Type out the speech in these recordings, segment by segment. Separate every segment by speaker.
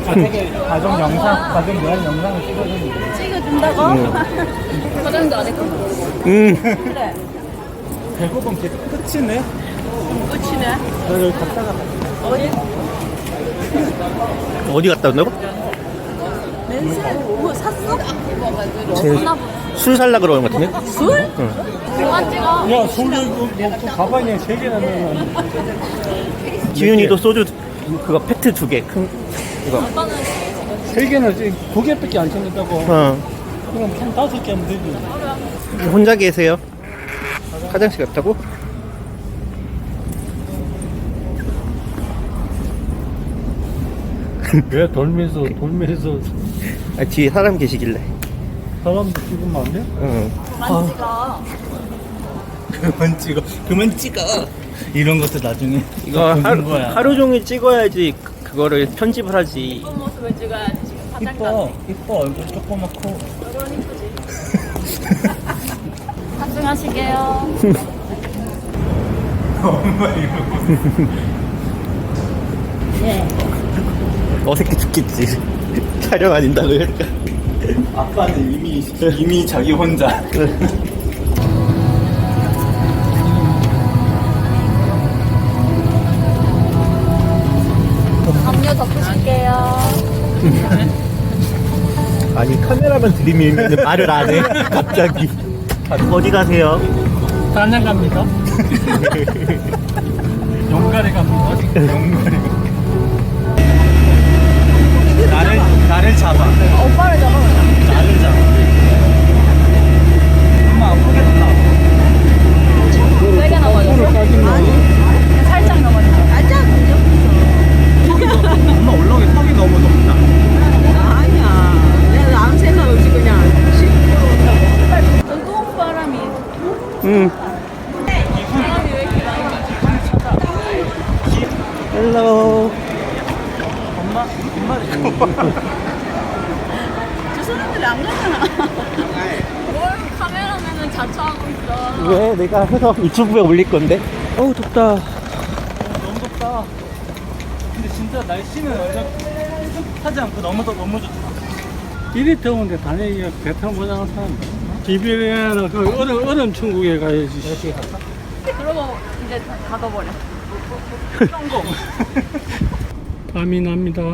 Speaker 1: 가정 영상, 가정 여행 영상을 찍어주는
Speaker 2: 찍어준다고? 화장도 안 했고. 그래.
Speaker 1: 배고픈 게 끝이네.
Speaker 2: 끝이네.
Speaker 1: 너 여기 갔다가
Speaker 2: 어디?
Speaker 3: 어디 갔다 온다고?
Speaker 2: 냄새 뭐 샀어?
Speaker 3: 술 살라 그러는 것 같은데?
Speaker 2: 술? 그만 찍어.
Speaker 1: 야, 소주 뭐 가방에 3개나 넣으면
Speaker 3: 지윤이도 소주 그거 페트 2개 큰 이거.
Speaker 1: 3개는 2개밖에 안 챙겼다고.
Speaker 3: 어.
Speaker 1: 그럼 한 5개 하면 되지.
Speaker 3: 혼자 계세요? 화장실 갔다고?
Speaker 1: 왜 돌면서
Speaker 3: 아, 뒤에 사람 계시길래.
Speaker 1: 사람도 찍으면 안 돼?
Speaker 3: 응.
Speaker 2: 그만 찍어.
Speaker 3: 그만 찍어.
Speaker 1: 이런 것도 나중에
Speaker 3: 이거
Speaker 1: 보는 거야.
Speaker 3: 하루 종일 찍어야지 그거를 편집을 하지.
Speaker 2: 이쁜 모습을 찍어야지. 지금 화장도 안
Speaker 1: 이뻐,
Speaker 2: 해.
Speaker 1: 이뻐, 얼굴 조그맣고.
Speaker 2: 얼굴은 이쁘지. 탑승하시게요. 예.
Speaker 3: 어색해 죽겠지. 촬영 아닌다고 그러니까.
Speaker 1: 아빠는 이미 자기 혼자.
Speaker 2: 담요 덮으실게요.
Speaker 3: 아니 카메라만 들이밀면 말을 안 해. 갑자기. 어디 가세요?
Speaker 1: 단양 갑니다. 용가리 갑니다. 용가리. 나를 잡아.
Speaker 2: 오빠를 잡아.
Speaker 1: 나를 잡아. 엄마 아프겠다.
Speaker 2: 세게 넘어졌어. 아니, 살짝 넘어졌어. 살짝
Speaker 1: 엄마 올라오기 턱이 너무 높다.
Speaker 2: 아니야. 내가 아무 생각 없이 그냥 뜨거운 바람이.
Speaker 3: 응.
Speaker 2: 바람이 왜 이렇게 많이 맞아?
Speaker 3: 헬로.
Speaker 2: 저 사람들이 안 가잖아. 뭘 카메라맨은 자처하고 있어.
Speaker 3: 왜 내가 해서 유튜브에 올릴 건데? 어우 덥다.
Speaker 1: 너무 덥다. 근데 진짜 날씨는 하지 않고 너무 좋다. 이리 더운데 단양이가 배 타고 보자는 사람. 비비리아나 그 얼음 천국에 가야지.
Speaker 2: 그러고 이제 닫아버려.
Speaker 1: 성공. 밤이 납니다.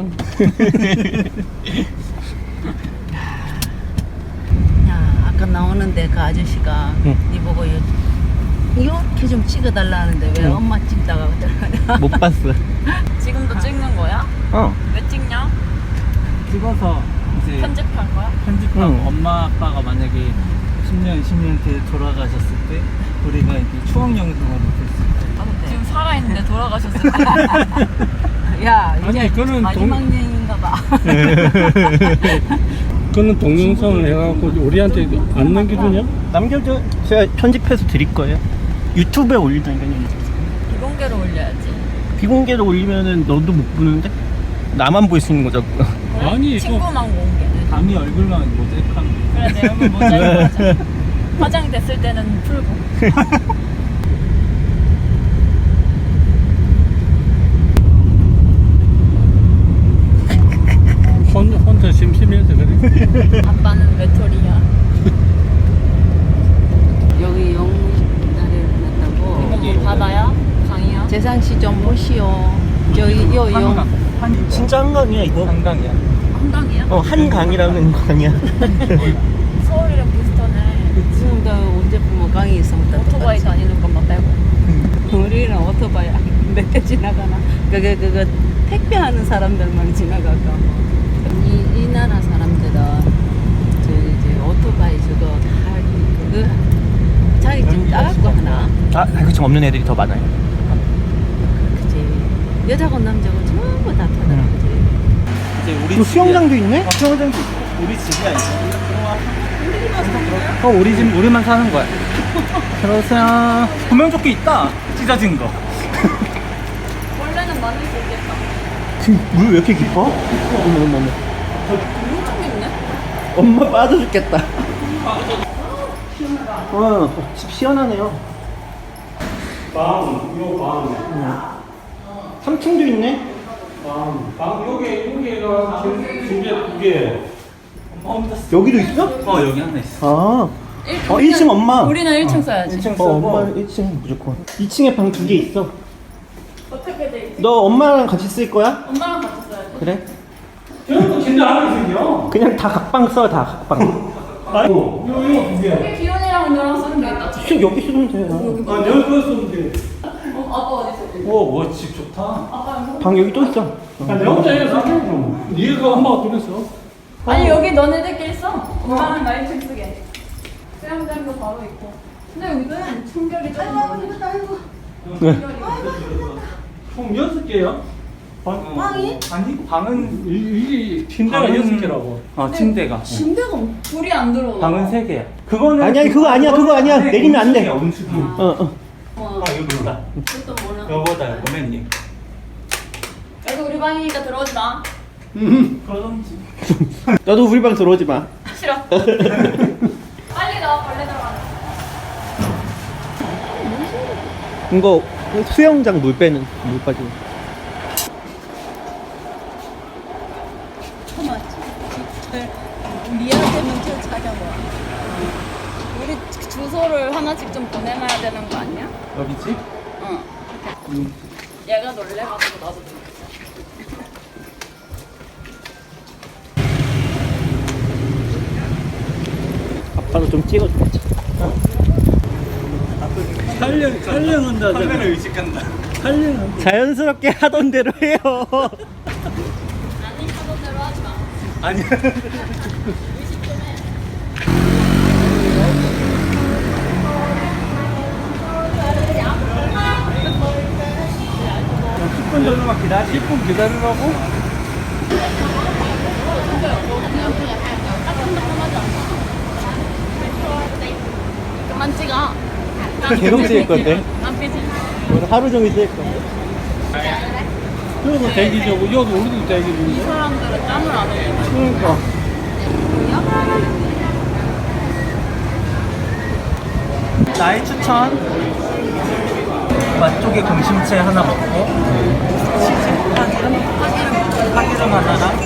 Speaker 4: 야, 아까 나오는데 그 아저씨가
Speaker 3: 응.
Speaker 4: 니 보고 이렇게 좀 찍어달라는데 왜
Speaker 3: 응.
Speaker 4: 엄마 찍다가 그러냐.
Speaker 3: 못 봤어.
Speaker 2: 지금도 찍는 거야?
Speaker 3: 어.
Speaker 2: 왜 찍냐?
Speaker 1: 찍어서 이제
Speaker 2: 편집한 거야?
Speaker 1: 편집하고
Speaker 3: 응.
Speaker 1: 엄마 아빠가 만약에 10년, 20년 뒤에 돌아가셨을 때 우리가 이제 추억 영상을 못했을
Speaker 2: 지금 살아있는데 돌아가셨을 때.
Speaker 4: 야, 이제
Speaker 1: 아니, 그거는
Speaker 4: 마지막 여행인가 봐.
Speaker 1: 그거는 동영상을 해갖고 우리한테 안 남겨주냐?
Speaker 3: 남겨줘. 제가 편집해서 드릴 거예요. 유튜브에 올리다니까요.
Speaker 2: 비공개로 올려야지.
Speaker 3: 비공개로 올리면은 너도 못 보는데? 나만 볼 수 있는 거죠.
Speaker 1: 아니 이거
Speaker 2: 친구만 공개.
Speaker 1: 남이 얼굴만 모자이크하면
Speaker 2: 그래, 내 얼굴 모자이크 하자. 화장됐을 때는 풀고.
Speaker 1: 혼자 심심해서 그래.
Speaker 2: 아빠는 외톨이야.
Speaker 4: 여기 영자리를 놨다고.
Speaker 2: 바다야? 강이야?
Speaker 4: 재상씨 좀 보시오. 저기 요
Speaker 3: 진짜 한강이야 이거.
Speaker 1: 한강이야.
Speaker 2: 한강이야?
Speaker 3: 한강이라는 강이야.
Speaker 2: 서울이랑 비슷하네.
Speaker 4: 지금도 언제 보면 강이 있으면 다
Speaker 2: 오토바이
Speaker 4: 똑같지.
Speaker 2: 다니는 것만 빼고.
Speaker 4: 우리는 오토바이 몇대 지나가나. 그거 택배하는 사람들만 지나가고. 이 나라 사람들은 저 이제 오토바이 저거 다 그거 자격증 따갖고 하나.
Speaker 3: 아, 자격증 없는 애들이 더 많아요.
Speaker 4: 그치. 여자고 남자고 전부 다 타더라.
Speaker 3: 응.
Speaker 4: 그치.
Speaker 1: 이제 우리
Speaker 3: 또 수영장도 있네?
Speaker 1: 수영장도 있어. 우리 집이야 이제. 우리 집 우리만 사는 거야. 들어오세요. 구명조끼 있다. 찢어진 거.
Speaker 2: 원래는 만들 수 있겠다.
Speaker 3: 지금 물 왜 이렇게 깊어? 어머.
Speaker 2: 엄청 깊네?
Speaker 3: 엄마 빠져 죽겠다. 집 시원하네요. 방. 3층도 있네.
Speaker 1: 방 여기가 침대 2개.
Speaker 3: 여기도 있어?
Speaker 1: 여기 하나 있어.
Speaker 3: 아. 1층 엄마.
Speaker 2: 우리는 1층 써야지.
Speaker 1: 1층
Speaker 3: 엄마
Speaker 1: 쓰고.
Speaker 3: 1층 무조건. 2층에 방 2개 있어.
Speaker 2: 어떻게 돼 있지?
Speaker 3: 너 엄마랑 같이 쓸 거야?
Speaker 2: 엄마랑 같이 써야지.
Speaker 3: 그래?
Speaker 1: 저것도 침대 안에 있어요.
Speaker 3: 그냥 다 각방 써, 다 각방.
Speaker 1: 아이고, 이거 2개.
Speaker 2: 여기 기훈이랑 너랑 쓰는 게 있다.
Speaker 3: 진짜 여기 쓰면 돼.
Speaker 1: 여기 그거 쓰면 돼.
Speaker 2: 아빠 어디 있어?
Speaker 1: 우와, 집 좋다.
Speaker 2: 아빠
Speaker 3: 방 여기 또 있어.
Speaker 1: 야, 내 혼자 해서 니가 엄마가 둘이서.
Speaker 2: 아니 여기 너네들끼리 써. 엄마는 나 1층 쓰게. 수영장도 바로 있고. 근데 여기는 충격이 좀
Speaker 3: 네.
Speaker 1: 총 6개요?
Speaker 4: 방이?
Speaker 1: 아니, 방은 이 침대가 6개라고. 침대가.
Speaker 2: 침대가 불이 안 들어오나?
Speaker 1: 방은 3개야. 그거는
Speaker 3: 아니야, 그거 아니야, 그거 아니야. 내리면 안 돼.
Speaker 1: 음식이.
Speaker 3: 어.
Speaker 1: 이거 몰라.
Speaker 2: 그것도 몰라.
Speaker 1: 여보다 고맨님.
Speaker 2: 그래도 우리 방이니까 들어오지 마.
Speaker 1: 그러던지.
Speaker 3: 너도 우리 방 들어오지 마.
Speaker 2: 싫어. 빨리 나와 벌레 들어가네.
Speaker 3: 이거 수영장 물 빼는 물 빠지는.
Speaker 2: 미안하면 저 자기가 뭐야? 우리 주소를 하나씩 좀 보내놔야 되는 거 아니야?
Speaker 1: 여기 집?
Speaker 2: 응. 얘가 놀래가지고 나도 놀랬어.
Speaker 3: 아빠도 좀 찍어줘야지.
Speaker 1: 촬영한다. 카메라 의식한다. 촬영한다.
Speaker 3: 자연스럽게 하던 대로 해요.
Speaker 2: 아니 하던 대로 하지 마.
Speaker 1: 아니야.
Speaker 2: 의식 좀 해.
Speaker 1: 정도만 기다려. 10분 기다리라고?
Speaker 2: 그만 찍어.
Speaker 3: 계속 찍을 건데.
Speaker 2: 안 삐지.
Speaker 3: 오늘 하루 종일 찍을 건데.
Speaker 1: 여기도 대기 중이고 여기 우리도 대기
Speaker 2: 이
Speaker 1: 중이고.
Speaker 2: 사람들은 짬을 안 흘리네.
Speaker 1: 그러니까. 나의 추천. 맛쪽에 공심채 하나 먹고 파기름 하나랑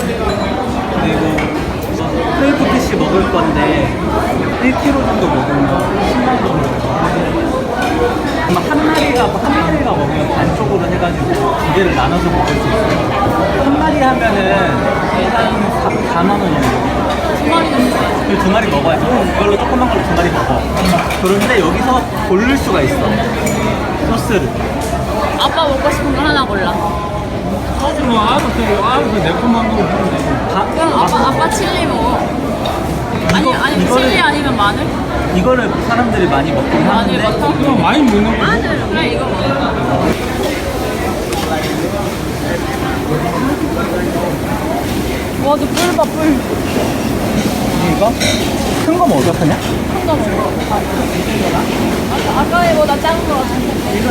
Speaker 1: 그리고 크레이프피쉬 먹을 건데 1kg 정도 먹으면 10만 정도. 아마 한 마리가 먹으면 반쪽으로 해가지고 두 개를 나눠서 먹을 수 있어요. 한 마리 하면은 한 4만 원 정도.
Speaker 2: 두 마리 넘는 거야.
Speaker 1: 그 두 마리 먹어야지. 이걸로 조그만 걸로 두 마리 먹어. 그런데 여기서 고를 수가 있어. 소스를.
Speaker 2: 아빠 먹고 싶은 거 하나 골라.
Speaker 1: 소스는 알아서 매콤한 거 하면 되고.
Speaker 2: 그럼 아빠 칠리 먹어. 아니
Speaker 1: 이거를-
Speaker 2: 칠리 아니면 마늘?
Speaker 1: 이거를 사람들이 많이 먹긴
Speaker 2: 마늘
Speaker 1: 하는데.
Speaker 2: 버터?
Speaker 1: 그럼 많이 먹는 거.
Speaker 2: 마늘. 그래 이거 먹어. 와, 너 뿔 봐, 뿔.
Speaker 1: 이거? 큰 거 먹어, 그냥?
Speaker 2: 큰거 먹어. 아까 얘보다 작은 거 같은데.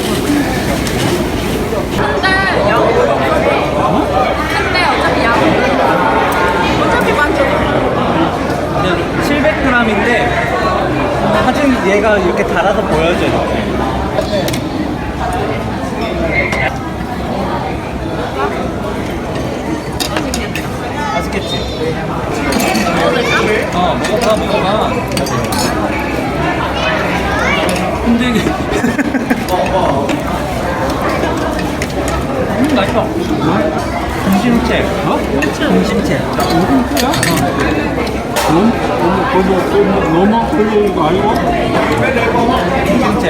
Speaker 2: 근데 어차피 양. 어차피 많잖아.
Speaker 1: 그냥 700g인데 사진 얘가 이렇게 달아서 보여줘. 이렇게. 맛있겠지? 먹어봐. 근데 이게 맛있어. 공심채. 공심채.
Speaker 5: 너무 별로 이거 아니고?
Speaker 1: 공심채.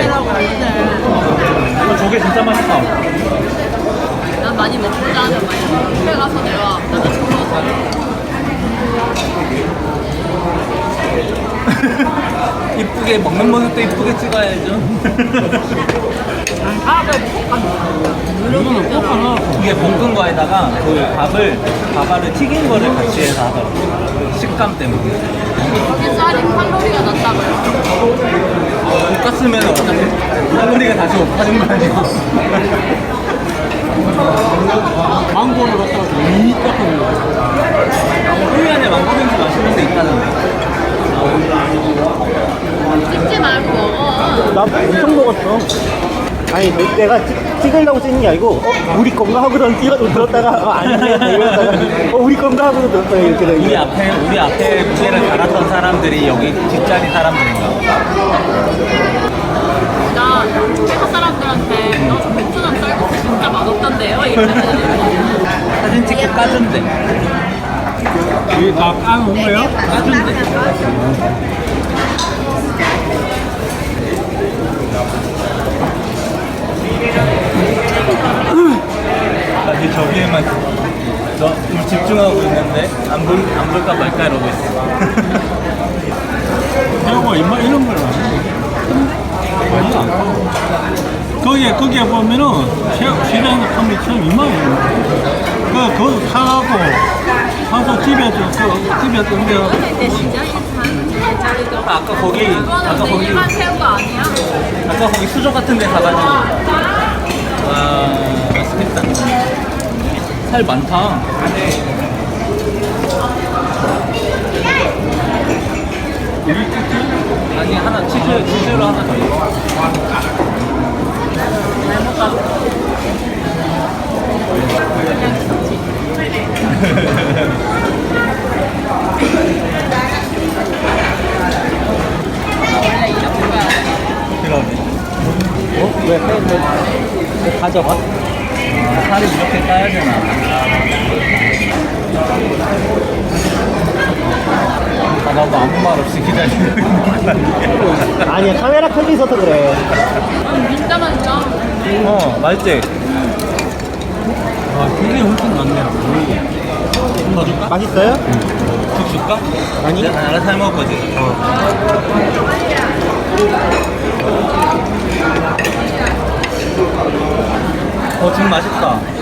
Speaker 1: 이거 저게 진짜 맛있다.
Speaker 2: 난 많이 먹고자 하는 거야. 집에 가서 내가 나도
Speaker 1: 이쁘게 먹는 모습도 이쁘게 찍어야죠.
Speaker 5: 이거는 꼭 하나.
Speaker 1: 이게 볶은 거에다가 그 밥알을 튀긴 거를 같이 해서 하더라고요. 식감 때문에.
Speaker 2: 여기 쌀이 칼로리가 낮다고요.
Speaker 1: 볶았으면 어차피 칼로리가 다시 높아진 거 아니고.
Speaker 5: 망고를 갖다가 너무 딱하게 먹어.
Speaker 1: 후유안에 망고빙수 맛있는 데 있다는데.
Speaker 2: 찍지 말고 먹어.
Speaker 3: 나 엄청 먹었어. 아니 내가 찍으려고 찍는 게 아니고 우리 건가 하고선 찍어도 들었다가 아니네 이러다가 우리 건가 하고서 들었다가 이렇게 돼.
Speaker 6: 우리 앞에 무게를 달았던 사람들이 여기 뒷자리 사람들인가 보다.
Speaker 2: 나 회사 사람들한테 너 맥주랑 쌀국수 진짜 맛없던데요? 이러면
Speaker 6: 사진 찍고 까준대.
Speaker 5: 이게 다 까는 거예요?
Speaker 6: 나 이제 저기에만 너 집중하고 있는데 안 볼까 말까 이러고 있어.
Speaker 5: 새우가 이런 걸 많이 안 까. 거기에 보면은 시장에 판매 처음 이만해요. 그거 사갖고 사서 집에서 옮겨.
Speaker 2: 내 시장이 한
Speaker 6: 아까 거기
Speaker 2: 일반 새우가 아니야.
Speaker 6: 아까 거기 수저 같은 데 가가지고 와 맛있겠다. 살 많다. 아니 하나 치즈로 하나 더 있어. 그러네. 어? 왜 가져가? 살이 이렇게 까야 되나? 나도 아무 말 없이 기다리고 있는 거 아니야?
Speaker 3: 아니야 카메라 켜져 있어서 그래.
Speaker 2: 진짜 맛있다.
Speaker 6: 맛있지?
Speaker 5: 아, 굉장히 훨씬 많네요.
Speaker 6: 더 줄까?
Speaker 3: 맛있어요?
Speaker 6: 죽 줄까?
Speaker 3: 아니.
Speaker 6: 내가 알아서 해 먹을 거지? 죽 맛있다.